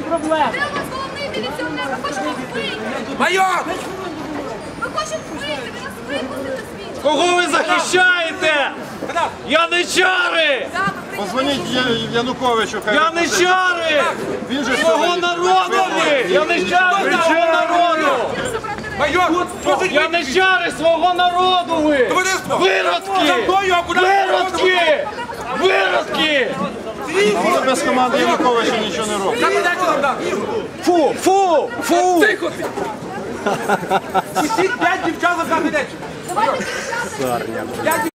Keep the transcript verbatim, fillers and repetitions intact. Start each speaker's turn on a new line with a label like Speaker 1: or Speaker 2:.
Speaker 1: проблеми.
Speaker 2: Де у вас головний міліціонер? Ми хочемо вбити.
Speaker 3: Майор!
Speaker 2: Ми хочемо вбити. Ви нас випустите звідси.
Speaker 4: Кого ви захищаєте? Яничари!
Speaker 5: Позвоніть Януковичу, хай
Speaker 4: Яничари!
Speaker 5: він же
Speaker 4: Свого народу ви! Яничари свого народу!
Speaker 3: Майор!
Speaker 4: Яничари свого народу ви!
Speaker 3: Товариство!
Speaker 4: Виродки!
Speaker 3: За мною акуратно!
Speaker 4: Виродки! Виродки!
Speaker 5: Але без команди Януковича нічого не робить.
Speaker 3: Капітанчу нам дам!
Speaker 4: Фу! Фу! Фу!
Speaker 3: Тихо ти! Усі п'ять дівчат за кабінет!
Speaker 2: Давайте дівчата.